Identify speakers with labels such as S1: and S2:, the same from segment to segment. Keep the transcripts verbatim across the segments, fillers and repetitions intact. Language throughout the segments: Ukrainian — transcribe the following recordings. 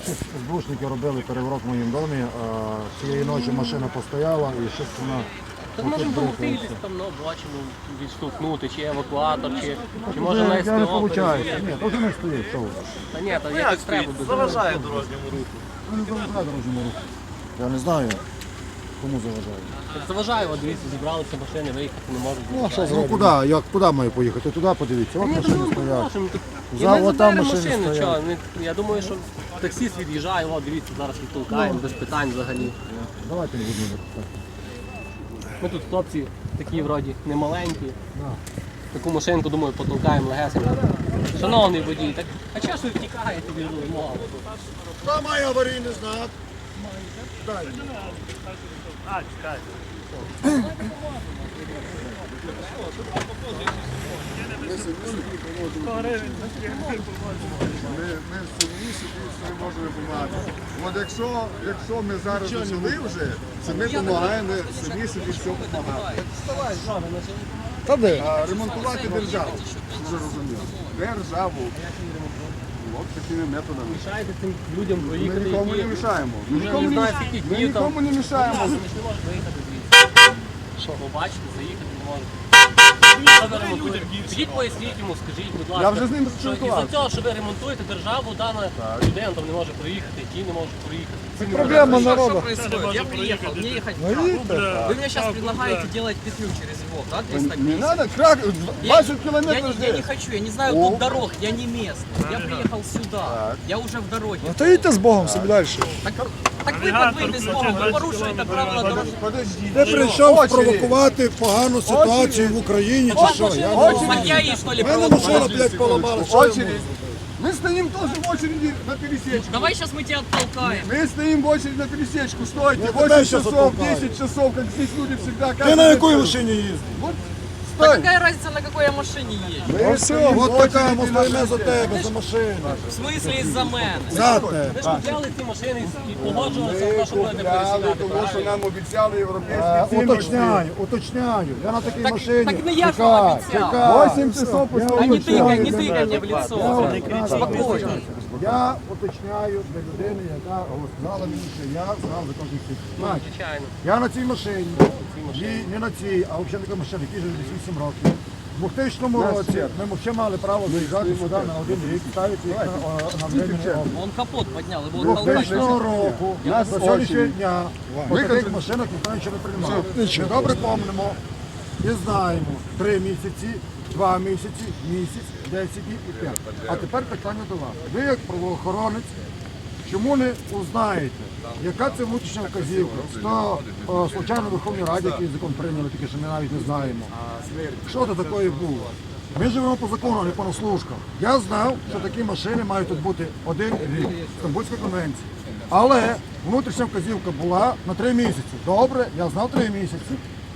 S1: СБУшники робили переворот в моєму домі, цієї ночі машина постояла і щось вона...
S2: Так може допомогти десь там, ну, бачимо, відштовхнути, чи евакуатор, чи, чи може на СТО.
S1: Я не виходить. Ні, то вже не стоїть, що ви?
S2: Та ні, та якось треба.
S3: Заважає дорожньому руху.
S1: Ну, не заважає дорожньому руху. Я не знаю, кому заважає.
S2: Так заважає, от дивіться, зібралися машини, виїхати не можуть.
S1: Ну, а що зробити? Ну, куди? Як, куди маю поїхати? Туди подивіться, от
S2: Ні,
S1: машини
S2: ну,
S1: стоять.
S2: нашим, тут- І
S1: За-
S2: ми
S1: от там
S2: заберемо
S1: машини
S2: машини,
S1: стоять.
S2: чого, не- я думаю, що таксист від'їжджає, о, дивіться, зараз відтолкаємо, без питань взагалі.
S1: Давайте не будемо так.
S2: Ми тут хлопці такі вроді немаленькі. Таку машинку, думаю, потолкаємо легесенько. Шановний водій, так а чого ж ви втікаєте від вимоги?
S1: Хто має аварійний знак?
S4: Ми, ми самі собі все можемо допомагати. От якщо, якщо ми зараз почали вже, це ми допомагаємо самі собі все допомагати.
S1: Та де?
S4: А ремонтувати державу, вже розуміло. Державу. От такими методами.
S2: Мішаєте цим людям
S4: Ми
S2: проїхати,
S4: нікому не
S2: які
S4: мішаємо. Ми
S2: вже
S4: нікому
S2: не
S4: не,
S2: знають, скільки
S4: ми
S2: днів там.
S4: нікому не мішаємо.
S2: Вони ж не можуть виїхати звідси. Що? Побачити, заїхати не можуть. Що ви ремонтуєте? Підіть поясніть йому, скажіть, будь ласка.
S4: Я вже з ним
S2: що
S4: спілкувався.
S2: із-за цього, що ви ремонтуєте державу, дана людина там не може проїхати, ті не можуть проїхати. Ці не
S1: Проблема
S5: Что
S1: народу.
S5: происходит? Я приехал, мне ехать
S1: Ну,
S5: как?
S1: видите?
S5: Вы мне сейчас предлагаете делать петлю через его, да, триста
S4: Не
S5: пятьдесят?
S4: треба, крак,
S5: Я,
S4: двадцять
S5: я
S4: кілометрів
S5: не, я не
S4: жди.
S5: хочу, я не знаю
S4: О.
S5: тут дорог, я не местный. Я приехал сюда, я уже в дороге.
S1: Та йдіть з Богом собі далі.
S5: Так, так вы под без Бога, вы порушуєте правила дорожнього.
S4: Подожди.
S1: Ти прийшов спровокувати погану ситуацію в Україні чи що? Я не розумію.
S5: Так я ей, что ли,
S1: У мене
S5: провокую?
S1: машина, блядь, поламала. Що я можу?
S4: Очередь. Мы стоим тоже в очереди на пересечку.
S5: Давай сейчас мы тебя оттолкаем.
S4: Мы стоим в очередь на пересечку. Стойте,
S1: Я тебя
S4: восемь
S1: щас
S4: часов,
S1: оттолкаю.
S4: десять часов, как здесь люди всегда.
S1: Ти на якій машині їздиш?
S4: Вот,
S5: Да
S4: стой.
S5: какая разница, на какой я машине езжу?
S4: Мы
S1: Все,
S4: стоим в
S1: от така,
S4: очереди
S1: ми
S4: на-
S1: стоїмо за тебе, за машину.
S5: В смысле из-за мене?
S1: За тебе.
S2: Ви ж купляли ці машини і погоджувалися на
S4: Ми
S2: те, що будете
S4: купляли,
S2: пересідати,
S4: тому що
S2: правильно?
S4: нам обіцяли
S1: Е,
S4: європейські цінності.
S1: Уточняю, уточняю. Я на такій
S5: Так-
S1: машині.
S5: так не я ж
S1: Чекай,
S5: вам обіцяв.
S1: чекай.
S4: Восемь часов
S1: Я
S4: пустого
S5: А не
S1: уточняю.
S5: тыкай, не тыкай мне в
S1: Я
S5: лицо.
S1: уточняю.
S5: Спокойно.
S1: Я уточняю для людини, яка сказала мені, що я знав за кожних цих. Значить,
S2: Звичайно.
S1: я на цій машині, і не на цій, а взагалі така машина, якій вже десь вісім років. У двохтисячному році ми ще мали право заїжджати сюди на один рік, ставити їх на, на временний облік.
S5: Он капот поднял, его толкать
S1: двохтисячного
S5: нельзя.
S1: року
S4: Нас
S1: до сьогоднішнього
S4: очі.
S1: дня по таких машинах ніхто нічого не приймав. Ми добре пам'ятаємо і знаємо три місяці, два місяці, місяць, десять днів і п'ять. А тепер питання до вас. Ви як правоохоронець, чому не узнаєте, яка це внутрішня вказівка? Що о, случайно в Верховній Раді, який закон прийняли, тільки що ми навіть не знаємо. Що це таке було? Ми живемо по закону, а не по наслушках. Я знав, що такі машини мають тут бути один рік, Стамбульської конвенції. Але внутрішня вказівка була на три місяці. Добре, я знав три місяці.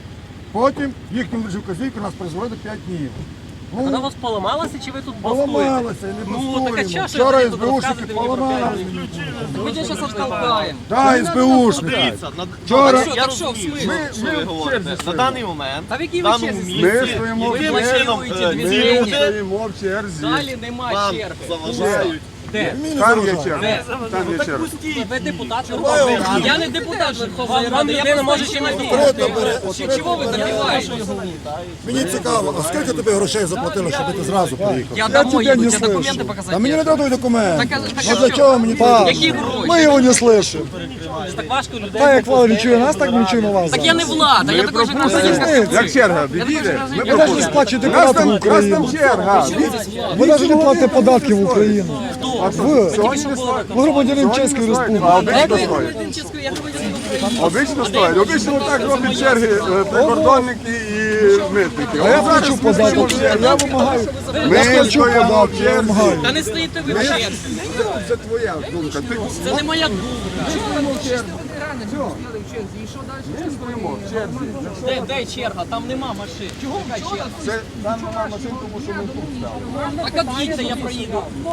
S1: Потім їхню внутрішню вказівку нас призвели до п'ять днів. Ну,
S2: Вона у вас поламалася, чи ви тут бастуєте?
S1: поламалася, не
S2: Ну, так а
S1: бастуємо.
S2: чого ж
S1: Вчора
S2: ви тут
S1: СБУшники
S2: розказуєте мені про
S1: поламали.
S5: Мы тебя сейчас оттолкаем.
S1: Так, СБУшники.
S3: Дивіться, на,
S1: Вчора-
S5: Так що,
S3: я
S5: так що, в
S3: розумію,
S5: смислі?
S3: що ви говорите. На даний момент,
S5: Та в якій
S3: в
S5: ви
S3: даному
S5: черзі
S3: місці,
S4: Ми стоїмо,
S3: яким
S4: ми
S3: чином
S5: блокуєте
S3: е, ці
S5: движення.
S3: люди
S4: стоїмо в черзі.
S5: Далі нема
S3: вам
S5: черги.
S3: заважають.
S5: Де?
S1: Мені не
S4: Там є
S1: заважає.
S4: черга. Там є черга.
S2: Ви депутат Верховної Ради.
S5: Я не депутат Верховної
S2: Вам
S5: Ради, я
S2: людина може
S5: просто
S2: ще не
S5: человек.
S1: Третя бере, от
S5: Чи- Чего вы добиваетесь?
S1: Мені цікаво, а скільки тобі грошей заплатили, щоб ти зразу приїхав?
S5: Я домой еду,
S1: не
S5: тебе документы
S1: слышу.
S5: показать.
S1: А мені не дадуть документи.
S5: Так, а- так,
S1: Ну
S5: а
S1: для
S5: що?
S1: чого мені це?
S5: Які гроші?
S6: Мы его не слышим.
S2: Так важко людей.
S6: Так як влада не чує нас, так ми не чуємо вас.
S5: Так я не влада, я такой же гражданин, как и
S4: Як
S5: вы.
S4: черга, відійде? Ми
S6: Ви навіть не сплачуєте
S4: У нас
S6: податки
S4: там,
S6: в
S4: у нас там
S6: Україну.
S4: черга.
S6: Ви навіть не платите податки в Україну. Ви,
S4: Сьогодні не стоїть.
S6: ви громадянин Чеської
S4: А
S6: Республіки.
S4: обично
S5: Я
S4: стоїть.
S5: гражданин Чеської, я громадянин України.
S4: Обично стоїть. Обично так роблять черги е, прикордонники і митники.
S6: А я плачу податок. Я вимагаю.
S4: Ми
S6: Я плачу
S4: стоїмо в
S6: податки, я
S4: черзі.
S6: вимагаю.
S5: Та не стоїте ви в черзі.
S4: Це твоя думка. Ти
S5: Це не моя думка. Де, де черга? Там нема машин. Чого черга?
S4: це нам на машин, тому що ми тут стали.
S5: Так от їдьте, я проїду.